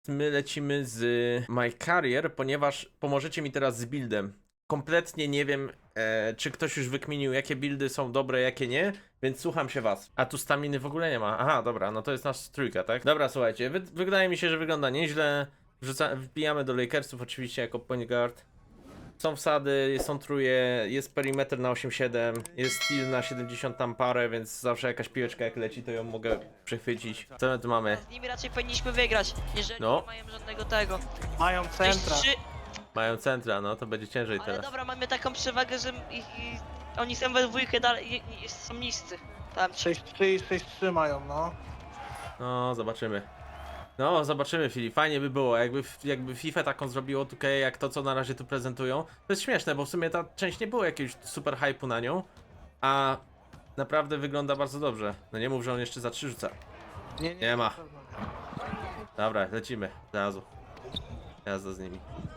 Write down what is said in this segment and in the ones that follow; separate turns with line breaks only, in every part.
My lecimy z My Carrier, ponieważ pomożecie mi teraz z buildem. Kompletnie nie wiem, czy ktoś już wykminił, jakie buildy są dobre, jakie nie, więc słucham się was. A tu staminy w ogóle nie ma. Aha, dobra, no to jest nasz trójka, tak? Dobra, słuchajcie, wydaje mi się, że wygląda nieźle. Wbijamy do Lakersów oczywiście jako point guard. Są wsady, są truje, jest perimeter na 8-7, jest steal na 70 tam parę, więc zawsze jakaś piłeczka jak leci, to ją mogę przechwycić. Co my tu mamy?
Z nimi raczej powinniśmy wygrać, jeżeli
No.
nie mają żadnego tego.
Mają
Cześć,
centra.
Mają centra, no to będzie ciężej
Ale
teraz.
dobra, mamy taką przewagę, że oni są we dwójkę dalej, są niscy. Tam
6-3 i 6-3 mają, no.
No, zobaczymy. No, zobaczymy, Filip. Fajnie by było, jakby FIFA taką zrobiło 2K, jak to, co na razie tu prezentują. To jest śmieszne, bo w sumie ta część nie było jakiegoś super hype'u na nią, a naprawdę wygląda bardzo dobrze. No nie mów, że on jeszcze za 3 rzuca. Nie ma. Dobra, lecimy. Zrazu. Jazda z nimi.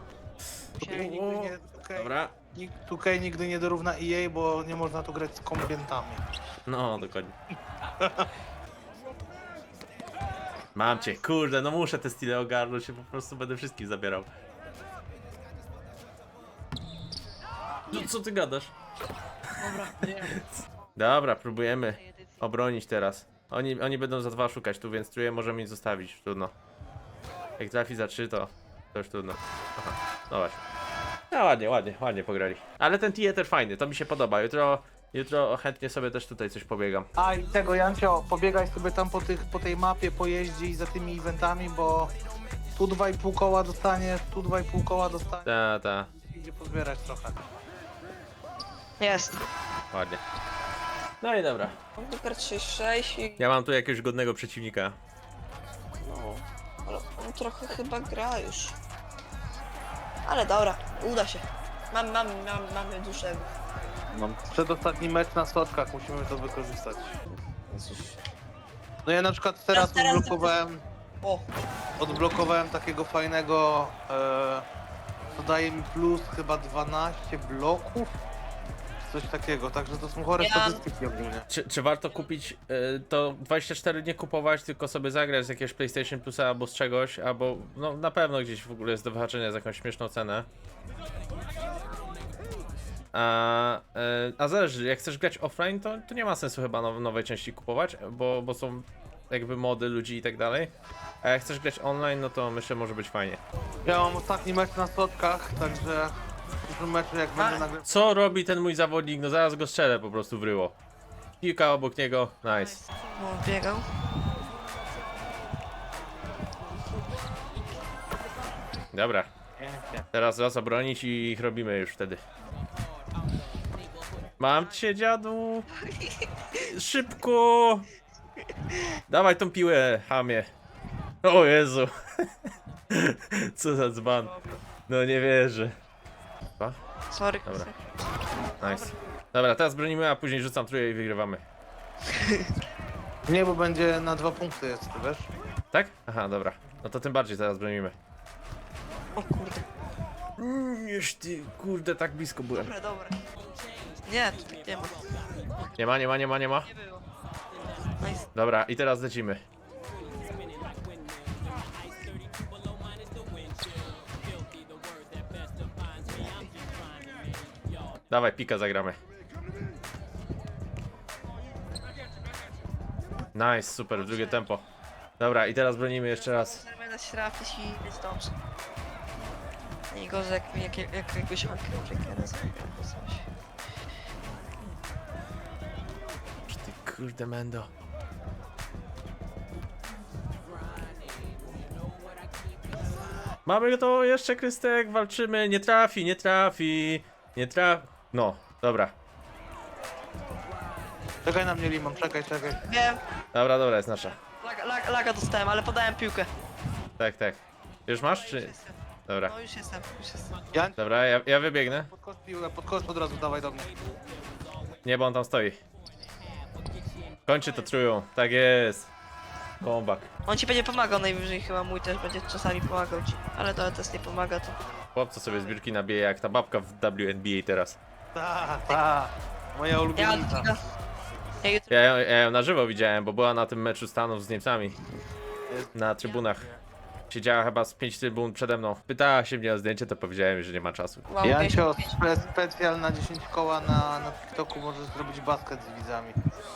Dobra.
2K nigdy nie dorówna EA, bo nie można tu grać z kombientami.
No, dokładnie. Mam cię, kurde, no muszę te stile ogarnąć, się po prostu będę wszystkich zabierał. Co ty gadasz? Dobra, próbujemy obronić teraz. Oni będą za 2 szukać tu, więc truje możemy ich zostawić, trudno. Jak trafi za 3 to już trudno. Aha, no właśnie. No ładnie pograli. Ale ten theater fajny, to mi się podoba. Jutro chętnie sobie też tutaj coś pobiegam.
A i tego, Jancio, pobiegaj sobie tam po tej mapie, pojeździ za tymi eventami, bo tu 2,5 koła dostaniesz, tu 2,5 koła dostaniesz.
Ta,
Idzie pozbierać trochę.
jest.
ładnie. No i dobra.
Numer 36 i...
Ja mam tu jakiegoś godnego przeciwnika.
no... Ale on trochę chyba gra już. Ale dobra, uda się. Mamy dużego.
Mam przedostatni mecz na soczkach, musimy to wykorzystać. No ja na przykład teraz
Teraz- O,
odblokowałem takiego fajnego, co daje mi plus chyba 12 bloków, coś takiego, także to są chore
Ja-
statystyki ogólnie.
Czy warto kupić to 24 nie kupować, tylko sobie zagrać z jakiegoś PlayStation Plusa albo z czegoś, albo no na pewno gdzieś w ogóle jest do wyhaczenia za jakąś śmieszną cenę. A zależy, jak chcesz grać offline, to nie ma sensu chyba nowej części kupować, bo są jakby mody ludzi i tak dalej. A jak chcesz grać online, no to myślę, może być fajnie.
Ja mam ostatni mecz na soczkach, także w przyszłym meczu jak będę nagrywał.
Co robi ten mój zawodnik? No zaraz go strzelę po prostu w ryło. Kilka obok niego, nice.
no biegał.
Dobra,
Pięknie.
teraz raz obronić i ich robimy już wtedy. Mam cię, dziadu! Szybko! Dawaj tą piłę, hamie. O Jezu! Co za dzban. No nie wierzę. Dwa?
Sorry.
Dobra. Nice. Dobra, teraz bronimy, a później rzucam trójkę i wygrywamy.
Nie, bo będzie na 2 punkty jest, ty wiesz?
Tak? Aha, dobra. No to tym bardziej teraz bronimy.
O kurde.
Już ty, kurde, tak blisko byłem.
Dobra. Nie, tu nie ma.
Nie ma.
Nie było. Nice.
Dobra, i teraz lecimy. Dawaj, pika zagramy. Nice, super, w drugie tempo. Dobra, i teraz bronimy jeszcze raz.
Będę się trafić i jest dobrze. Nie gorzej jak jakbyś Unbreakera zrobił albo coś.
Ty kurde mendo. Mamy to jeszcze, Krystek, walczymy, nie trafi. No, dobra.
Czekaj na mnie, Limon, czekaj.
Wiem,
Dobra, jest nasza.
laga dostałem, ale podałem piłkę.
Tak. Już masz,
Już
czy...
jestem.
Dobra,
No już jestem.
Jan,
dobra, ja wybiegnę.
podkos piłę, podkos od razu dawaj do mnie.
Nie, bo on tam stoi. Kończy to trójką, tak jest. Comeback.
On ci będzie pomagał najwyżej, chyba mój też będzie czasami pomagał ci. Ale to też nie pomaga to.
Chłopco sobie zbiórki nabije jak ta babka w WNBA teraz.
Ta, moja
Ja
ulubienica.
jutro
Ja ją na żywo widziałem, bo była na tym meczu Stanów z Niemcami. Na trybunach. Siedziała chyba z 5 trybun przede mną. Pytała się mnie o zdjęcie, to powiedziałem, że nie ma czasu.
Mam
Jancio,
55.
specjal na 10 koła na TikToku możesz zrobić basket z widzami.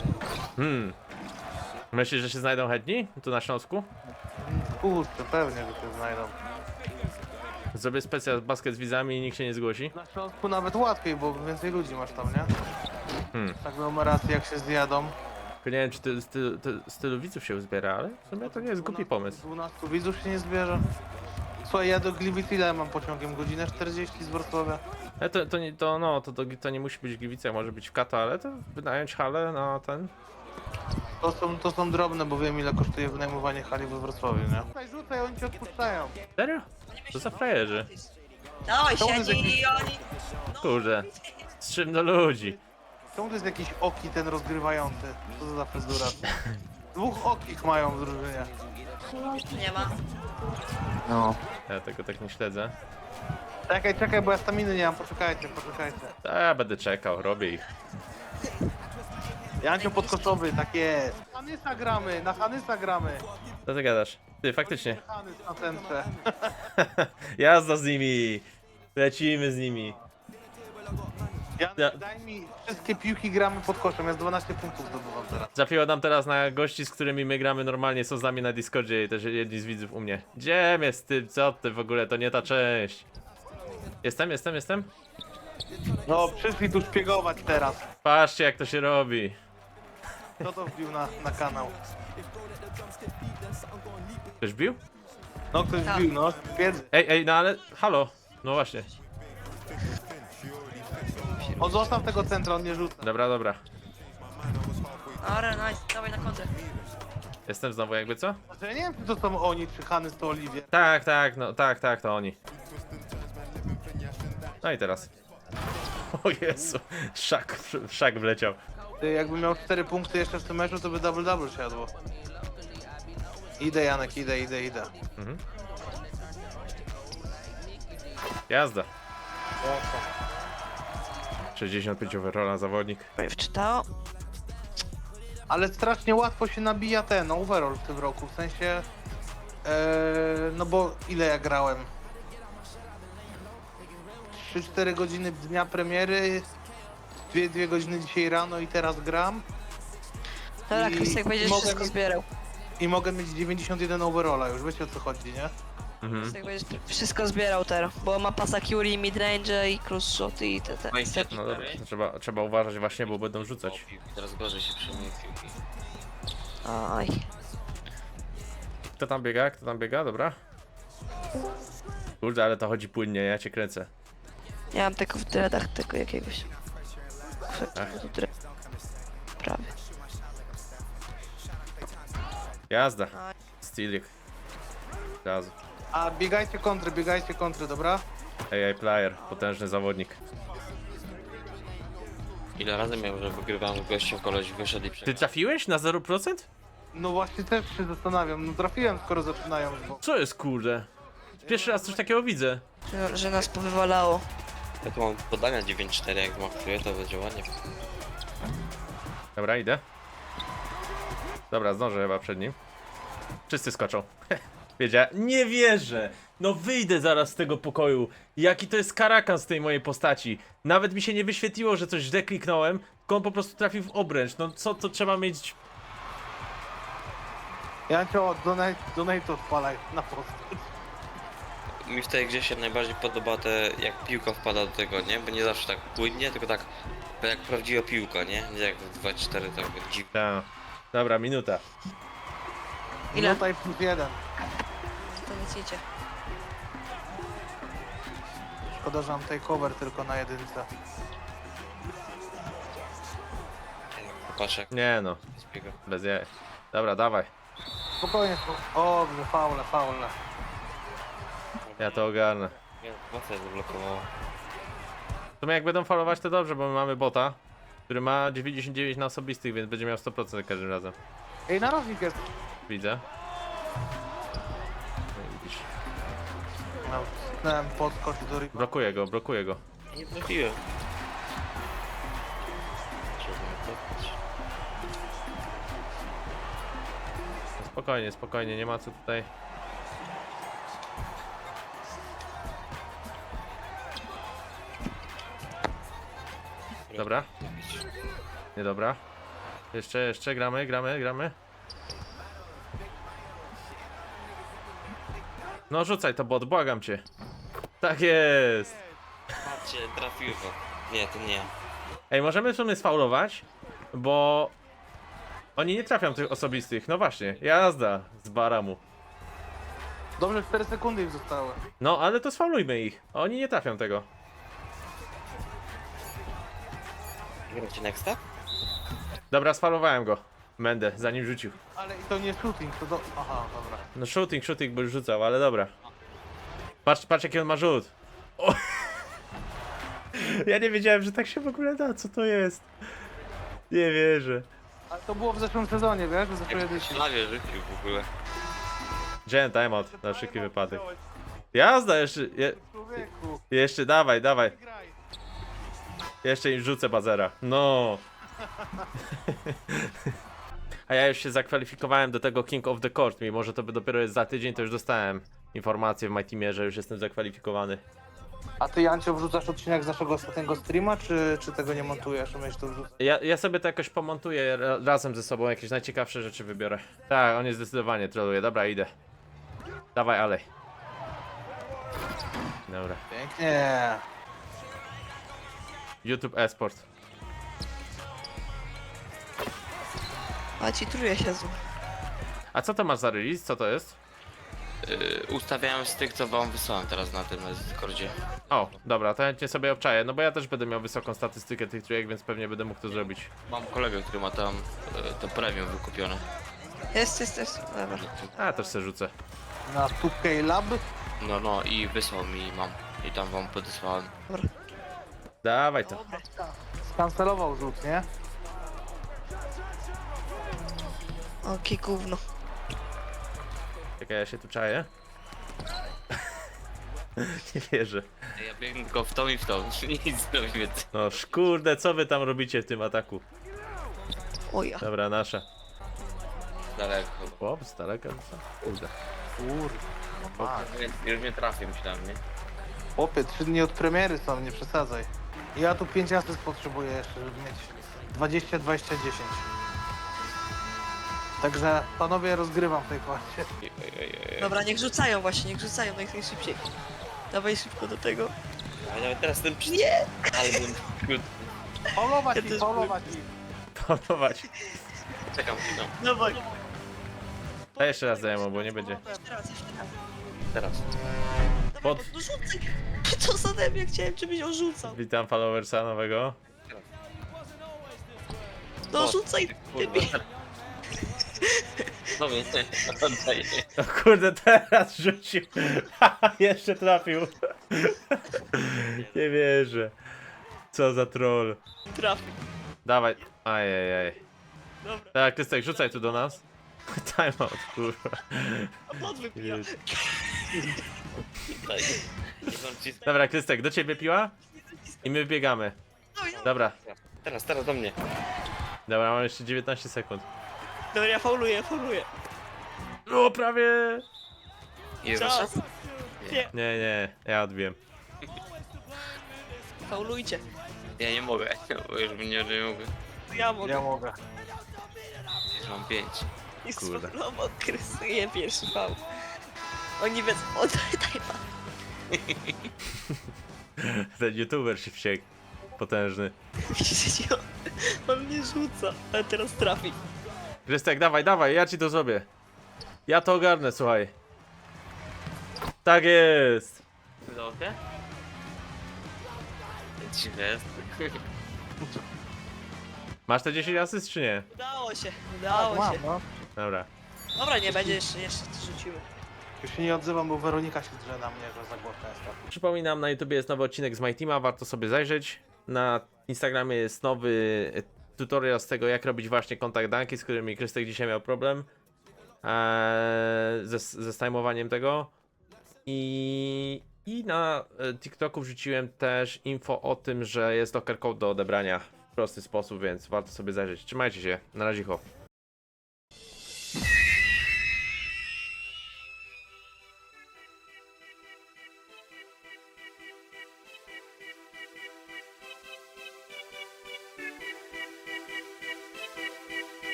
Myślisz, że się znajdą chętni tu na Śląsku?
Kurczę, pewnie, że się znajdą.
Zrobię specjal basket z widzami i nikt się nie zgłosi.
Na Śląsku nawet łatwiej, bo więcej ludzi masz tam, nie? Aglomeracje jak się zjadą.
Tylko nie wiem, czy z tylu widzów się uzbiera, ale w sumie to nie jest głupi pomysł.
12 widzów się nie zbierze. Słuchaj, ja do Gliwic ile mam pociągiem? Godzinę 40 z Wrocławia.
Ale to nie musi być w Gliwicach, może być w Kato, ale to wynająć halę na ten.
To są drobne, bo wiem ile kosztuje wynajmowanie hali we Wrocławiu, nie? Rzucaj, oni cię odpuszczają.
Serio? To za frajerzy.
Dawaj,
To jest
siedzi i oni...
Kurde. Z czym do ludzi?
Czemu to jest jakiś oki ten rozgrywający? Co to za fryzura? Dwóch okich mają w drużynie.
Nie ma.
No.
Ja tego tak nie śledzę.
Czekaj, bo ja staminy nie mam, poczekajcie.
To ja będę czekał, robię ich.
Jancio podkoszowy, tak jest. Na Hanysa gramy.
Co ty gadasz? Ty, faktycznie.
Hanys na centrze.
Jazda z nimi! Lecimy z nimi. Ja-
Jan, daj mi wszystkie piłki, gramy pod koszem, ja z 12 punktów zdobywam teraz.
Trafiło nam teraz na gości, z którymi my gramy normalnie, są z nami na Discordzie i też jedni z widzów u mnie. Gdzie jest ty? Co ty w ogóle? To nie ta część. Jestem.
No, przyszli tu szpiegować teraz.
Patrzcie jak to się robi.
Kto to wbił na kanał?
Ktoś bił?
No, ktoś
Tak.
wbił, no. Wiedzy.
Ej, no ale halo. No właśnie.
On zostaw tego centra, on nie rzuca.
Dobra.
Dobra, nice. Dawaj na kontrę.
Jestem znowu jakby co?
Znaczy, ja nie wiem, czy to są oni, czy Hanys to Oliwie.
Tak, to oni. No i teraz. O Jezu, szak wleciał.
Ty, jakby miał 4 punkty jeszcze w tym meczu, to by double siadło. Idę, Janek, idę.
Jazda. 65 overalla zawodnik.
Wczytało.
Ale strasznie łatwo się nabija ten overall w tym roku, w sensie... no bo ile ja grałem? 3-4 godziny dnia premiery, 2 godziny dzisiaj rano i teraz gram.
Dobra,
I
Krystek, będziesz
mogę
wszystko
mieć-
zbierał.
I mogę mieć 91 overalla, już wiecie o co chodzi, nie?
Krystek, będziesz wszystko zbierał teraz, bo ma pasa Curie, midrange i cross shot i te.
No dobra, to trzeba uważać właśnie, bo będą rzucać.
Teraz gorzej się przyjmuje piłki.
Aj.
Kto tam biega? Dobra. Kurde, ale to chodzi płynnie, ja cię kręcę.
Ja mam tylko w dreadach tego jakiegoś. Prawie.
Jazda. Stealing. Razu.
A biegajcie kontry, dobra?
AI player, potężny zawodnik.
Ile razy miał, że wygrywamy gościem, koleś wyszedł i
Ty
przegrał.
trafiłeś na 0%?
No właśnie też się zastanawiam, no trafiłem skoro zaczynają, bo...
Co jest kurde? Pierwszy raz coś takiego widzę.
Że nas powywalało.
Ja tu mam podania 9-4, jak zmaksuję, to będzie ładnie.
Dobra, idę. Dobra, zdążę chyba przed nim. Wszyscy skoczą. Wiedziałem. Nie wierzę! No wyjdę zaraz z tego pokoju. Jaki to jest karakan z tej mojej postaci. Nawet mi się nie wyświetliło, że coś źle kliknąłem, tylko on po prostu trafił w obręcz. No co to trzeba mieć...
Jancio, donate odpalaj na post.
Mi w tej grze się najbardziej podoba jak piłka wpada do tego, nie? Bo nie zawsze tak płynnie, tylko tak jak prawdziwa piłka, nie? Nie jak w 2-4 tak dziwnie.
Ta. Dobra, minuta.
Ile?
Tutaj +1.
To nic idzie.
Szkoda, że mam takeover tylko na jedynce.
Patrz jak
Nie no,
zbiega.
bez jaj. Dobra, dawaj.
Spokojnie, o, faule.
Ja to ogarnę.
Nie, mocno zablokowało.
W sumie jak będą falować to dobrze, bo my mamy bota, który ma 99 na osobistych, więc będzie miał 100% za każdym razem.
Ej, narożnik jest.
Widzę. No i widzisz.
No, sknąłem podskocz do riba.
Blokuję go.
Nie trafiłem. Trzeba cofnąć.
Spokojnie, nie ma co tutaj. Dobra. Nie dobra. Jeszcze, gramy. No rzucaj to bot, błagam cię. Tak jest.
Patrzcie, trafiło. Nie, to nie.
Ej, możemy w sumie sfaulować, bo oni nie trafią tych osobistych. No właśnie, jazda z baramu.
Dobrze, 4 sekundy ich zostały.
No, ale to sfaulujmy ich. Oni nie trafią tego.
Gracie nexta?
Dobra, sfaulowałem go. Mendę, zanim rzucił.
Ale i to nie shooting, to do... Aha, dobra.
No shooting by rzucał, ale dobra. Patrz jaki on ma rzut. O! Ja nie wiedziałem, że tak się w ogóle da, co to jest. Nie wierzę.
Ale to było w zeszłym sezonie, wiesz? W zeszłej
Jak
edycji.
Slawie rzucił w ogóle.
Wziąłem timeout na wszelki wypadek. Jazda,
Człowieku,
jeszcze, dawaj.
graj.
Jeszcze im rzucę bazera. No. A ja już się zakwalifikowałem do tego King of the Court, mimo że to by dopiero jest za tydzień, to już dostałem informację w my teamie, że już jestem zakwalifikowany.
A ty, Jancio, wrzucasz odcinek z naszego ostatniego streama, czy tego nie montujesz? Umiesz to wrzucać?
Ja sobie to jakoś pomontuję razem ze sobą, jakieś najciekawsze rzeczy wybiorę. Tak, on jest zdecydowanie troluje. Dobra, idę. Dawaj, alej. Dobra.
Pięknie.
YouTube Esport.
A ci truje się zło.
A co to masz za release? Co to jest?
Ustawiałem z tych, co wam wysłałem teraz na tym Discordzie.
O, dobra, to chętnie sobie obczaję, no bo ja też będę miał wysoką statystykę tych trójek, więc pewnie będę mógł to zrobić.
Mam kolegę, który ma tam to premium wykupione.
Jest. Dobra.
A, też se rzucę.
Na 2K Lab.
No i wysłał mi mam. I tam wam podesłałem.
Dawaj to.
Skancelował rzut, nie?
Oki gówno.
Czekaj, ja się tu czaję. Nie wierzę.
Ja biegnę tylko w tą i w tą. Nic nie więcej.
No kurde, co wy tam robicie w tym ataku?
O ja.
Dobra, nasza.
Daleko.
Chłop, z daleka, co? Kurde.
Kurwa.
Już nie trafię, myślałem, nie?
Chłopie, 3 dni od premiery są, nie przesadzaj. Ja tu 5 asyst potrzebuję jeszcze, żeby mieć 20, 20, 10. Także, panowie, rozgrywam w tej kładzie.
Dobra, niech rzucają jak najszybciej. Dawaj szybko do tego.
Ale nawet teraz ten
Nie!
Ale bym...
Faulować
Ja
ich,
też
faulować ich.
Panować.
Czekam chwilę.
Dawaj.
A jeszcze raz dajemy, bo nie będzie.
Jeszcze raz.
Teraz.
Dawaj,
Pod-
no rzucaj. Co za mnie chciałem, żebyś ją rzucał.
Witam followersa nowego.
No
O,
rzucaj.
Kurwa. No więc, oddaję.
O kurde, teraz rzucił. Jeszcze trafił. Nie wierzę. Co za troll.
Trafił.
Dawaj. Ajajaj.
Dobra,
Tak, Krystek, rzucaj tu do nas. Timeout, kurwa.
a pod wypija.
Jezu.
Daj. Nie mam ci...
Dobra, Krystek, do ciebie piła? I my wbiegamy. Dobra.
Teraz do mnie.
Dobra, mam jeszcze 19 sekund.
Dobra, ja fauluję.
O, prawie!
Ile
Czas.
Nie, ja odbiłem.
Faulujcie.
Ja nie mogę, bo już nie mogę.
Ja mogę.
Ja mogę.
Już mam 5.
I
Kurde.
sfaulował, krysuję pierwszy faul. Oni wiedzą, oddaj pan.
Ten youtuber się wściekł. Potężny.
Widzicie, on mnie rzuca, ale teraz trafi.
Krystek, dawaj, ja ci to zrobię. Ja to ogarnę, słuchaj. Tak jest.
Logę? Dziwne jest.
Masz te 10 asyst, czy nie?
Udało się.
Mam, no.
Dobra.
Dobra, nie będzie jeszcze rzucimy.
Już się nie odzywam, bo Weronika się drze na mnie, że za głośno jest.
Przypominam, na YouTubie jest nowy odcinek z My Teama, warto sobie zajrzeć. Na Instagramie jest nowy tutorial z tego, jak robić właśnie kontakt danki, z którymi Krystek dzisiaj miał problem. Ze stajmowaniem tego. I na TikToku wrzuciłem też info o tym, że jest locker code do odebrania w prosty sposób, więc warto sobie zajrzeć. Trzymajcie się, na razie.